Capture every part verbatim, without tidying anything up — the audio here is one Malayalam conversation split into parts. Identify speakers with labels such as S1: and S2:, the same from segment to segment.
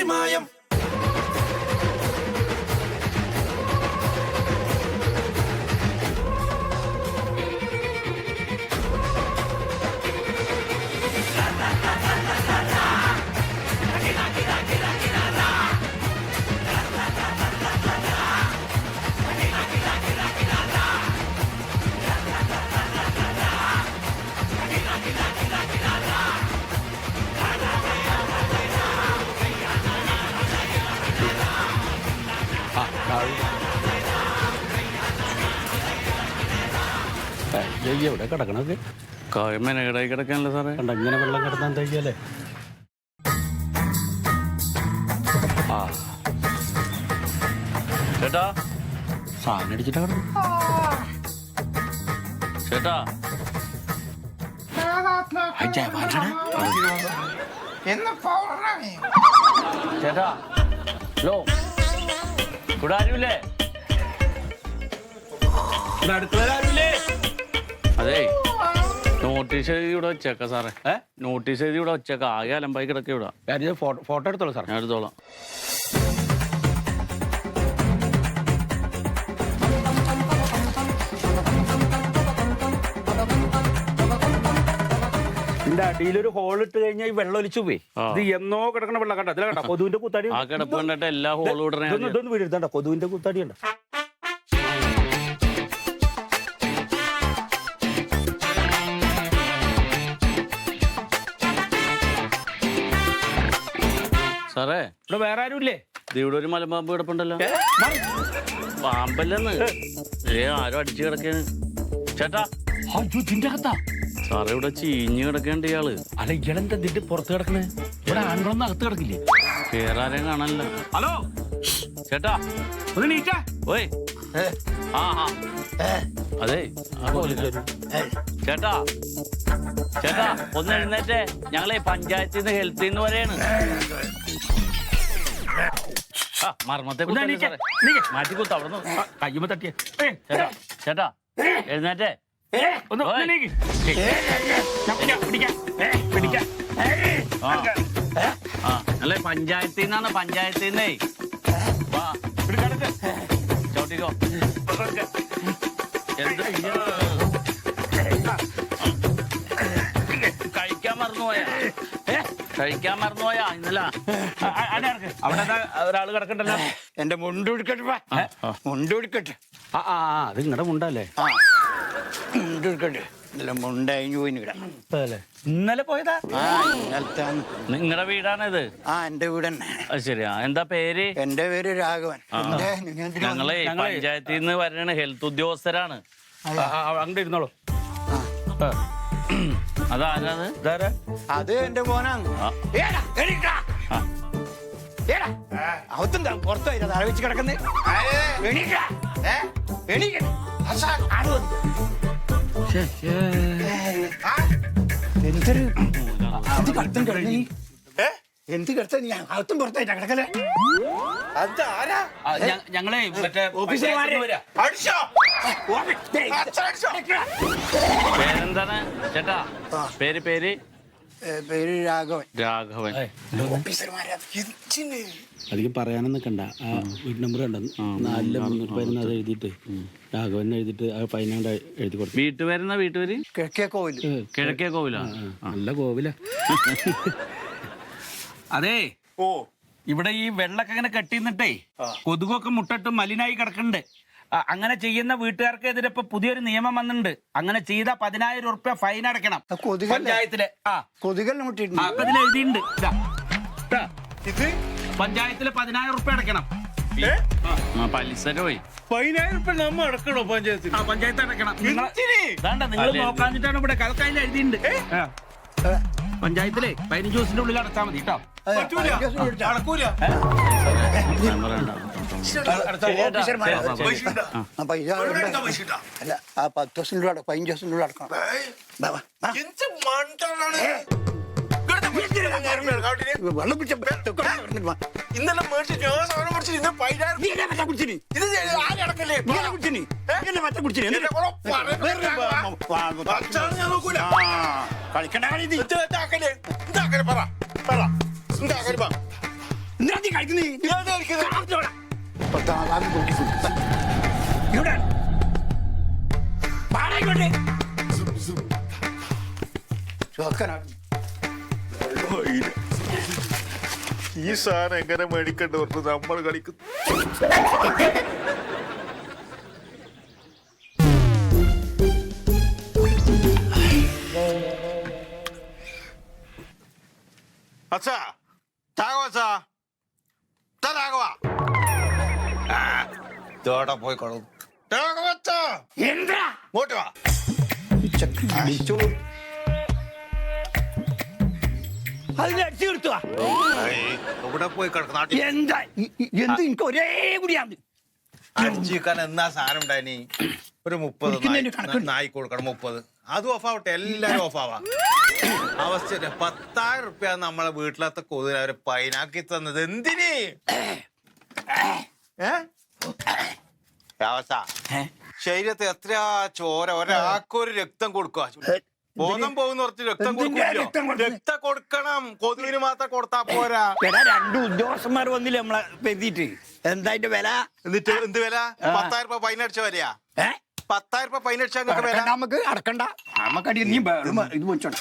S1: മായം.
S2: എവിടെ കിടക്കണത്?
S3: കായ്മനകടായി കിടക്കാനല്ലേ സാറേ?
S2: കണ്ട ഇങ്ങനെ വെള്ളം കിടന്നാൻ തയ്യല്ലേ?
S3: ആ ചേട്ടാ
S2: സാധനം അടിച്ചിട്ടാ കിടന്നു.
S3: ചേട്ടാ ചേട്ടാ ഹലോ, ഇവിടെ ആരുമില്ലേ? അതെ, നോട്ടീസ് എഴുതി ഇവിടെ വെച്ചേക്ക സാറേ. ഏ നോട്ടീസ് എഴുതി ഇവിടെ വെച്ചേക്ക. ആകെ അലമ്പായി കിടക്ക ഇവിടെ.
S2: ഫോട്ടോ എടുത്തോളൂ സാർ.
S3: ഞാൻ എടുത്തോളാം.
S2: ഇതിന്റെ അടിയിലൊരു ഹോൾ ഇട്ട് കഴിഞ്ഞാൽ ഈ വെള്ളം ഒലിച്ചു പോയി. ഇത് എന്നോ കിടക്കണ വെള്ളം കണ്ട അതിലെ കണ്ട കൊതുവിന്റെ കുത്താടി.
S3: ആ കിടപ്പ് കണ്ടിട്ട് എല്ലാ ഹോളും ഇടണേ.
S2: ഇതൊന്നും വീടെടുത്തണ്ട, കൊതുവിന്റെ കുത്താടി ഉണ്ട്.
S3: സാറേ
S2: ഇവിടെ വേറെ ആരും ഇല്ലേ?
S3: ഇവിടെ ഒരു മലമ്പാമ്പ് കിടപ്പുണ്ടല്ലോ. പാമ്പല്ലെന്ന് ഏ ആരോ അടിച്ചു കിടക്കാണ്. ചേട്ടാ
S2: ഇതിന്റെ അകത്താ
S3: സാറേ, ഇവിടെ ചീഞ്ഞ് കിടക്കേണ്ട ഇയാള്.
S2: അല്ല ഇയാളെന്താ ഇതിന്റെ പുറത്ത് കിടക്കണേ? ഇവിടെ ആൺകളൊന്നും അകത്ത് കിടക്കില്ലേ?
S3: കേറാരെയും കാണാനില്ല.
S2: ഹലോ
S3: ചേട്ടാ
S2: ഒന്ന് നീറ്റാ.
S3: ഓയ് ആ ആ അതെ ചേട്ടാ ചേട്ടാ ഒന്ന് എഴുന്നേറ്റേ. ഞങ്ങളെ പഞ്ചായത്തിൽ നിന്ന് ഹെൽത്തിൽ നിന്ന് പറയാണ്. ആ മർമ്മത്തെ മാറ്റി കുത്ത അവിടെ
S2: കയ്യുമ്പോ തട്ടിയ.
S3: ചേട്ടാ ചേട്ടാ എഴുന്നേറ്റേ. ആ അല്ലേ പഞ്ചായത്തിൽ നിന്നാണ്, പഞ്ചായത്തിൽ നിന്നേ. ചവിട്ടിക്കോ. കഴിക്കാൻ മറന്നുപോയാ? കഴിക്കാൻ മറന്നുപോയാ ഇന്നല?
S2: അവിടെ ഒരാള് കിടക്കണ്ടല്ലോ.
S4: എന്റെ മുണ്ടെടുക്കട്ടെ, മുണ്ടെടുക്കട്ടെ.
S2: ആ ആ അത് നിങ്ങളുടെ മുണ്ടല്ലേ?
S4: മുണ്ടെടുക്കട്ടെ. ഇന്നലെ മുണ്ടഴിഞ്ഞു പോയി കിടന്നു.
S2: ഇന്നലെ പോയതാ?
S4: ആ ഇന്നലത്തെ.
S3: നിങ്ങളുടെ വീടാണിത്?
S4: ആ എന്റെ വീട് തന്നെ.
S3: അത് ശരിയാ. എന്താ പേര്?
S4: എന്റെ പേര് രാഘവൻ.
S3: ഞങ്ങളെ പഞ്ചായത്തിൽ നിന്ന് വരണ ഹെൽത്ത് ഉദ്യോഗസ്ഥരാണ്.
S2: അങ്ങോട്ട് ഇരുന്നോളൂ.
S3: അതാരാത്?
S2: ഇതാരാ?
S4: അത് എന്റെ മോനാണ്. അവത്തുണ്ടാ പുറത്തായി തലവെച്ച് കിടക്കുന്നത്. എന്തൊരു അത് കടത്തും കിടങ്ങി. എന്ത് കിടത്ത നീ അകത്തും പുറത്തായിട്ടാ കിടക്കല്ലേ?
S2: ഞങ്ങളെ മറ്റേ
S3: പേരെന്താണ് ചേട്ടാ? പേര് പേര്
S4: പേര് രാഘവൻ.
S3: രാഘവൻ.
S2: അധികം പറയാനും നിൽക്കണ്ട. ആ വീട് നമ്പർ കണ്ട നാലില് മുന്നൂറ്റി പതിനൊന്ന് അത് എഴുതിയിട്ട് രാഘവൻ എഴുതിയിട്ട് ആ ഫൈനാണ്ട് എഴുതി കൊടുത്തു.
S3: വീട്ടുപേരെന്നാ? വീട്ടുപേര്
S4: കിഴക്കേ കോവിൽ.
S3: കിഴക്കേ കോവിലാ?
S2: നല്ല കോവില. അതെ
S4: ഓ
S2: ഇവിടെ ഈ വെള്ളൊക്കെ ഇങ്ങനെ കെട്ടിന്നിട്ടേ കൊതുകൊക്കെ മുട്ടിട്ട് മലിനായി കിടക്കുന്നുണ്ട്. അങ്ങനെ ചെയ്യുന്ന വീട്ടുകാർക്കെതിരെ ഇപ്പൊ പുതിയൊരു നിയമം വന്നിട്ടുണ്ട്. അങ്ങനെ ചെയ്ത പതിനായിരം ഉറുപ്പ്യ ഫൈൻ അടക്കണം പഞ്ചായത്തില്. ആ
S4: കൊതുകൽ
S2: അതിൽ എഴുതിയിട്ടുണ്ട്. ഇത് പഞ്ചായത്തില് പതിനായിരം ഉറുപ്പ്യ അടക്കണം.
S3: പലിശ പോയി
S2: പതിനായിരം ഉറുപ്പ്യ നമ്മ അടക്കണോ പഞ്ചായത്തിൽ? ആ പഞ്ചായത്ത് അടക്കണം. നിങ്ങൾ നോക്കാഞ്ഞിട്ടാണ് ഇവിടെ കലക്കായിൽ എഴുതിയിട്ടുണ്ട്. പഞ്ചായത്തിലെ പതിനഞ്ച് ദിവസത്തിന്റെ ഉള്ളിൽ അടച്ചാൽ മതി കേട്ടോ.
S4: അല്ല ആ പത്ത് ദിവസത്തിന്റെ ഉള്ളിൽ പതിനഞ്ച് ദിവസത്തിന്റെ ഉള്ളിൽ അടക്കണം. വെള്ളം ഇന്നലെ കളിക്കണ്ട എന്തിനാ നീ കഴിക്കുന്നേ? പത്താം ക്ലാസ് നോക്കി ഫുഡ്. ഇവിടെ പാടായിക്കോട്ടെ. ചോക്കനാ.
S1: ഈ സാധനം എങ്ങനെ മേടിക്കണ്ട പറഞ്ഞു നമ്മൾ കളിക്കുന്നു. അച്ഛാ താഗോ അച്ഛാ താഗവാ തോടെ പോയി കൊള്ളു അച്ഛാ
S4: എന്താ
S1: ഇങ്ങോട്ട് വാ.
S4: അതിന് അടിച്ചു കിട്ടുവാ.
S1: ഇവിടെ പോയി കിടക്കുന്ന
S4: എന്താ ഇ- ഇ- എന്ത് എനിക്ക് ഒരേ കൂടിയാണ്.
S1: അടിച്ചിരിക്കാൻ എന്നാ സാധനം ഉണ്ടായിനി ഒരു മുപ്പത്
S4: കുടിക്കുന്നതിന് കണക്കുണ്ട്.
S1: നായി കൊടുക്കണം മുപ്പത് അതും ഓഫ് ആവട്ടെ എല്ലാരും ഓഫ് ആവാ അവസ്ഥ പത്തായിരം റുപ്യ നമ്മളെ വീട്ടിലത്തെ കൊതുകിന് അവര് പൈനാക്കി തന്നത് എന്തിന് അവസ്ഥ ശരീരത്തെ എത്ര ചോര ഒരാൾക്കൊരു രക്തം കൊടുക്കുക ബോധം പോകുന്ന കുറച്ച് രക്തം
S4: എന്തിനാ
S1: കൊടുക്കില്ലോ
S4: രക്തം കൊടുക്കുന്നെ?
S1: രക്തം കൊടുക്കണം കൊതുകിന് മാത്രം കൊടുത്താ പോരാ
S4: എടാ രണ്ട് ഉദ്യോഗസ്ഥന്മാർ വന്നില്ലേ നമ്മളെ പെരുത്തിട്ട് എന്താ അതിന്റെ വില?
S1: എന്നിട്ട് എന്ത് വില പത്തായിരം രൂപ ഫൈൻ അടിച്ച വരെയാ
S4: ഏ
S1: പത്തായിരം രൂപ ഫൈൻ അടിച്ചാൽ നിങ്ങൾക്ക് വില
S4: അടക്കണ്ട, നമുക്ക് അടക്കണ്ട നമുക്കടി നീ ബ- ഇത് വെച്ചോട്ടെ.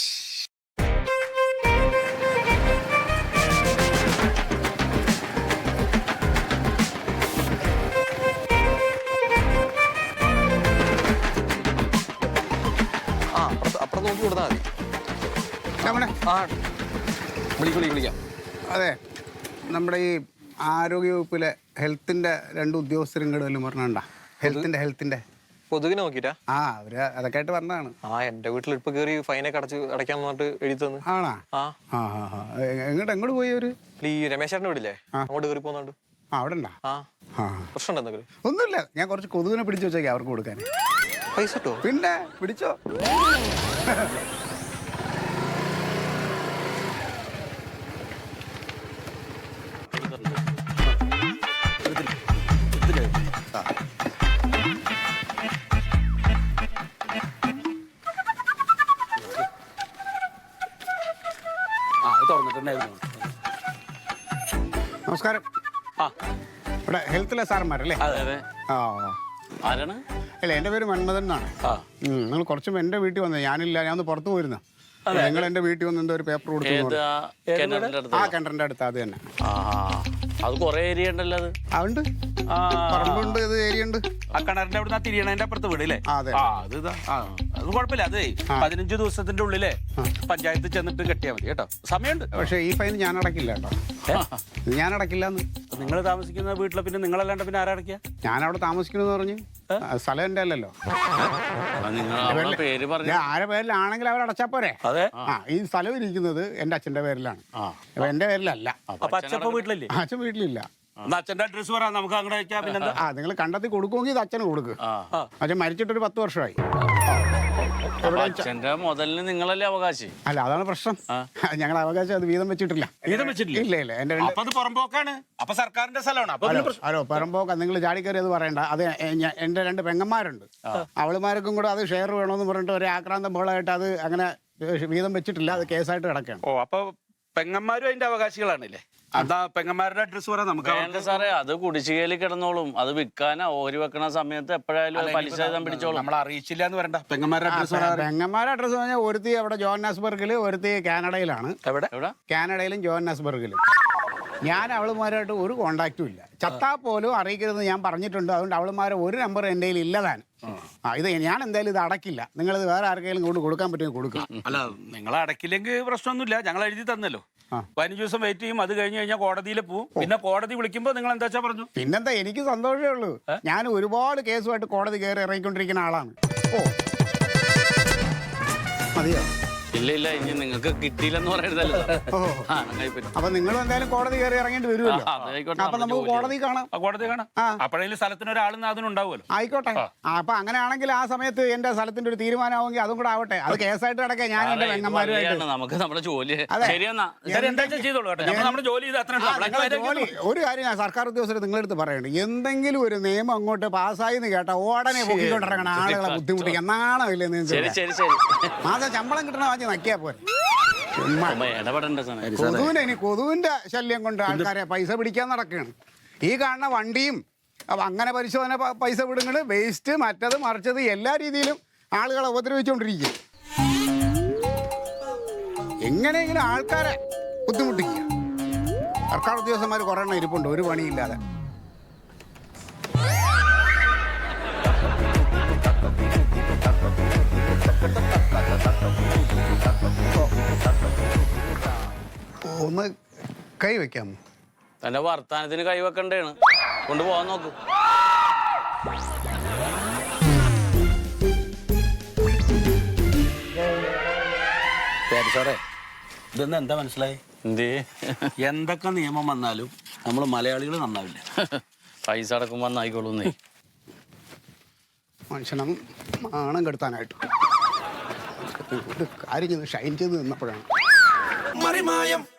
S5: ആ അപ്പുറത്ത് അപ്പുറത്ത് നോക്കി കൊടുത്താൽ മതി.
S6: നമ്മുടെ
S5: ആ വിളിക്കും വിളിക്കും വിളിക്കാം.
S6: അതെ നമ്മുടെ ഈ ആരോഗ്യവകുപ്പിലെ ഹെൽത്തിന്റെ രണ്ട് ഉദ്യോഗസ്ഥരും കൂടെ വല്ലതും പറഞ്ഞാ ഹെൽത്തിന്റെ ഹെൽത്തിന്റെ
S5: കൊതുകിനെ നോക്കിട്ടാ?
S6: ആ അവര് അതൊക്കെ ആയിട്ട് പറഞ്ഞതാണ്.
S5: ആ എന്റെ വീട്ടിൽ ഇപ്പൊ കയറി ഫൈനൊക്കെ അടച്ച് അടയ്ക്കാൻ പറഞ്ഞിട്ട് എഴുതി തന്നു.
S6: ആണാ?
S5: ആ
S6: ആ ആ ആ എങ്ങോട്ട് എങ്ങോട്ട് പോയി അവര്?
S5: ഈ രമേശേട്ടന്റെ വീട്ടില്ലേ അങ്ങോട്ട് കയറി പോകുന്നുണ്ട്.
S6: ആ അവിടെ ഉണ്ടാ?
S5: ആ
S6: ആ
S5: പ്രശ്നം എന്തെങ്കിലും?
S6: ഒന്നുമില്ല, ഞാൻ കുറച്ച് കൊതുകിനെ പിടിച്ചു വെച്ചേക്കാം അവർക്ക് കൊടുക്കാൻ.
S5: പൈസ കിട്ടോ?
S6: പിന്നെ പിടിച്ചോ.
S2: ആ അത് തുറന്നിട്ടുണ്ടായിരുന്നു.
S6: നമസ്കാരം.
S3: ആ
S6: ഇവിടെ ഹെൽത്തിലെ സാറന്മാരല്ലേ?
S3: അതെ അതെ.
S6: ആ
S3: ആരാണ്?
S6: അല്ല എൻ്റെ പേര് മന്മഥൻ എന്നാണ്.
S3: ആ
S6: നിങ്ങൾ കുറച്ചും എൻ്റെ വീട്ടിൽ വന്നത് ഞാനില്ല, ഞാൻ ഒന്ന് പുറത്ത് പോയിരുന്ന നിങ്ങൾ എൻ്റെ വീട്ടിൽ വന്ന് എന്തോ ഒരു പേപ്പർ കൊടുത്തു.
S3: ഏതാ കിണറിന്റെ അടുത്ത്?
S6: ആ കിണറിൻ്റെ അടുത്ത് അത് തന്നെ.
S3: ആ അത് കൊറേ ഏരിയ ഉണ്ടല്ലോ അത്.
S6: അതുണ്ട്,
S2: ആ
S6: പറമ്പുണ്ട്, ഇത് ഏരിയ ഉണ്ട്.
S2: ആ കിണറിന്റെ അവിടെ നിന്ന് തിരിയണതിന്റെ അപ്പുറത്ത് വീട് അല്ലേ?
S6: ആ, അതെ.
S2: ആ അത് ഇതാ. ആ അത് കുഴപ്പമില്ല. അതേ പതിനഞ്ച് ദിവസത്തിന്റെ ഉള്ളിലെ പഞ്ചായത്ത് ചെന്നിട്ട് കെട്ടിയാൽ മതി കേട്ടോ. സമയമുണ്ട്.
S6: പക്ഷേ ഈ ഫൈൻ ഞാൻ അടക്കില്ല കേട്ടോ. ഇത് ഞാൻ അടക്കില്ല എന്ന്.
S2: നിങ്ങൾ താമസിക്കുന്ന വീട്ടിലെ പിന്നെ നിങ്ങളല്ലാണ്ട് പിന്നെ ആരടക്കുക?
S6: ഞാൻ അവിടെ താമസിക്കണമെന്ന് പറഞ്ഞു. ആ, സ്ഥലം എൻ്റെ അല്ലല്ലോ.
S3: നിങ്ങൾ അവരുടെ പേര് പറഞ്ഞു.
S6: ഞാൻ ആരെ പേരിലാണെങ്കിൽ അവർ അടച്ചാ പോരെ.
S2: അതെ.
S6: ആ ഈ സ്ഥലം ഇരിക്കുന്നത് എൻ്റെ അച്ഛൻ്റെ പേരിലാണ്. അപ്പൊ എൻ്റെ പേരിലല്ല.
S2: അപ്പൊ അച്ഛപ്പ വീട്ടിലല്ലേ?
S6: അച്ഛൻ വീട്ടിലില്ല.
S2: എന്നാ അച്ഛന്റെ അഡ്രസ് പറ, നമുക്ക് അങ്ങോട്ട് അയച്ചാ പിന്നെന്താ.
S6: ആ നിങ്ങൾ കണ്ടെത്തി കൊടുക്കുമെങ്കിൽ ഇത് അച്ഛന് കൊടുക്കുക.
S3: ആ
S6: അച്ഛൻ മരിച്ചിട്ടൊരു പത്ത് വർഷമായി.
S3: അപ്പൊ അച്ഛന്റെ മുതലിന് നിങ്ങളല്ലേ അവകാശി?
S6: അല്ല അതാണ് പ്രശ്നം. ഞങ്ങൾ അവകാശം അത് വീതം വെച്ചിട്ടില്ല.
S2: വീതം വെച്ചിട്ടില്ല?
S6: ഇല്ല ഇല്ല. എൻ്റെ രണ്ട്
S2: അപ്പൊ അത് പുറമ്പോക്കാണ്. അപ്പൊ സർക്കാരിന്റെ സ്ഥലമാണ്. അപ്പൊ
S6: ഹലോ ഹലോ പറമ്പോക്ക നിങ്ങൾ ചാടിക്കയറി അത് പറയണ്ട. അത് എ- ഞ- എൻ്റെ രണ്ട് പെങ്ങന്മാരുണ്ട്. അവളുമാർക്കും കൂടെ അത് ഷെയർ വേണമെന്ന് പറഞ്ഞിട്ട് ഒരു ആക്രാന്തം ബോളായിട്ട് അത് അങ്ങനെ വീതം വെച്ചിട്ടില്ല. അത് കേസായിട്ട് കിടക്കുകയാണ്.
S2: ഓ അപ്പൊ പെങ്ങന്മാരും അതിന്റെ അവകാശികളാണല്ലേ? അതാ പെങ്ങന്മാരുടെ അഡ്രസ് പറയാം നമുക്ക്.
S3: വേണ്ട സാറേ, അത് കുടിശ്ശികയിൽ കിടന്നോളും. അത് വിൽക്കാനോ ഓരി വെക്കണ സമയത്ത് എപ്പോഴായാലും അത് പലിശ വീതം പിടിച്ചോളും.
S2: നമ്മൾ അറിയിച്ചില്ല എന്ന് പറയണ്ട. പെങ്ങന്മാരുടെ അഡ്രസ് പറയാം.
S6: പെങ്ങന്മാരുടെ അഡ്രസ്സ് പറഞ്ഞാൽ ഒരുത്തി അവിടെ ജോഹന്നാസ്ബർഗിൽ, ഒരുത്തി കാനഡയിലാണ്.
S2: എവിടെ?
S3: എവിടെ?
S6: കാനഡയിലും ജോഹന്നാസ്ബർഗിലും. ഞാൻ അവളുമാരായിട്ട് ഒരു കോണ്ടാക്റ്റും ഇല്ല. ചത്താ പോലും അറിയിക്കരുതെന്ന് ഞാൻ പറഞ്ഞിട്ടുണ്ട്. അതുകൊണ്ട് അവളുമാരെ ഒരു നമ്പർ എൻ്റെ കയ്യിൽ ഇല്ലതാണ്. ആ ഇത് ഞാൻ എന്തായാലും ഇത് അടക്കില്ല. നിങ്ങളിത് വേറെ ആർക്കെങ്കിലും കൊണ്ട് കൊടുക്കാൻ പറ്റുമെങ്കിൽ കൊടുക്കുക.
S2: അല്ല നിങ്ങൾ അടക്കില്ലെങ്കിൽ പ്രശ്നമൊന്നുമില്ല. ഞങ്ങൾ എഴുതി തന്നല്ലോ.
S6: ആ.
S2: പതിനഞ്ച് ദിവസം വെയിറ്റ് ചെയ്യും. അത് കഴിഞ്ഞ് കഴിഞ്ഞാൽ കോടതിയിൽ പോവും. പിന്നെ കോടതി വിളിക്കുമ്പോൾ നിങ്ങൾ എന്താ വെച്ചാ പറഞ്ഞു.
S6: പിന്നെന്താ, എനിക്ക് സന്തോഷമേ ഉള്ളൂ. ഞാൻ ഒരുപാട് കേസുമായിട്ട് കോടതി കയറി ഇറങ്ങിക്കൊണ്ടിരിക്കുന്ന ആളാണ്. ഓ മതിയോ?
S3: ഇല്ല ഇല്ല, ഇനി നിങ്ങൾക്ക് കിട്ടിയില്ലെന്ന് പറയരുതല്ലോ.
S6: ഓ
S3: ആ, അങ്ങനെ പറ്റും.
S6: അപ്പൊ നിങ്ങളും എന്തായാലും കോടതി കയറി ഇറങ്ങേണ്ടി വരുമല്ലോ.
S3: ആ, അതായിക്കോട്ടെ,
S6: അപ്പൊ
S3: നമ്മുടെ
S6: നമുക്ക്
S3: ജോലി.
S6: കോടതി കാണാം.
S2: ആ കോടതി കാണാം.
S6: ആ.
S2: അപ്പോഴേലും സ്ഥലത്തിന് ഒരാളെന്ന് അതിനുണ്ടാവുമല്ലോ.
S6: ആയിക്കോട്ടെ. ആ, അപ്പൊ അങ്ങനെയാണെങ്കിൽ ആ സമയത്ത് എന്റെ സ്ഥലത്തിന്റെ ഒരു തീരുമാനമാണെങ്കിൽ അതും കൂടെ ആവട്ടെ. അത് കേസായിട്ട് കിടക്കാൻ ഞാൻ എന്റെ
S3: സാറേ, ഇത്
S6: പെങ്ങന്മാരുമായിട്ട്.
S3: വഴിയാണ്. നമുക്ക് നമ്മുടെ ജോലി.
S6: അതെ.
S3: ശരിയെന്നാ.
S2: ശരി, എന്താ വെച്ചാ ചെയ്തോളൂ കേട്ടോ. നമ്മൾ നമ്മുടെ ജോലി ചെയ്ത് അത്ര
S6: ആ, നിങ്ങളെ ജോലി ഒരു കാര്യം ഞാൻ സർക്കാർ ഉദ്യോഗസ്ഥർ നിങ്ങളെടുത്ത് പറയുന്നുണ്ട്. എന്തെങ്കിലും ഒരു നിയമം അങ്ങോട്ട് പാസ്സായി എന്ന് കേട്ടാ ഉടനെ പൊക്കിക്കൊണ്ടിറങ്ങണം ആളുകളെ ബുദ്ധിമുട്ടിക്കാൻ. നാണമില്ലേ
S3: ശരി
S6: നിങ്ങൾക്ക്?
S3: ശരി ശരി.
S6: മാസം ശമ്പളം കിട്ടണ വാങ്ങി നക്കിയാ പോലെ. ചുമ്മാ
S3: അപ്പൊ ഇടപെടണ്ട സാറേ.
S6: കൊതുവിന് ഇനി കൊതുവിന്റെ ശല്യം കൊണ്ട് ആൾക്കാരെ പൈസ പിടിക്കാൻ നടക്കുകയാണ്. ഈ കാണുന്ന വണ്ടിയും അപ്പൊ അങ്ങനെ പരിശോധന പ- പൈസ വിടുന്നത് വേസ്റ്റ് മറ്റത് മറിച്ചത് എല്ലാ രീതിയിലും ആളുകളെ ഉപദ്രവിച്ചുകൊണ്ടിരിക്കുക. എങ്ങനെയെങ്കിലും ആൾക്കാരെ ബുദ്ധിമുട്ടിക്കുക. സർക്കാർ ഉദ്യോഗസ്ഥന്മാർ കുറേ എണ്ണം ഇരിപ്പുണ്ട് ഒരു പണിയില്ലാതെ. ഒന്ന് കൈ വെക്കാമോ?
S3: തന്റെ വർത്താനത്തിന് കൈവെക്കണ്ടേണ്. കൊണ്ടുപോകാൻ നോക്ക്.
S2: സാറേ ഇതൊന്നും എന്താ മനസ്സിലായി?
S3: എന്തേ?
S2: എന്തൊക്കെ നിയമം വന്നാലും നമ്മൾ മലയാളികൾ നന്നാവില്ല.
S3: പൈസ അടക്കുമ്പോ നന്നായിക്കോളൂന്നേ.
S6: മനുഷ്യനം മാണം കെടുത്താനായിട്ട് ഒരു കാര്യം ചെയ്ത് ഷൈൻ ചെയ്ത് നിന്നപ്പോഴാണ്
S7: മറിമായം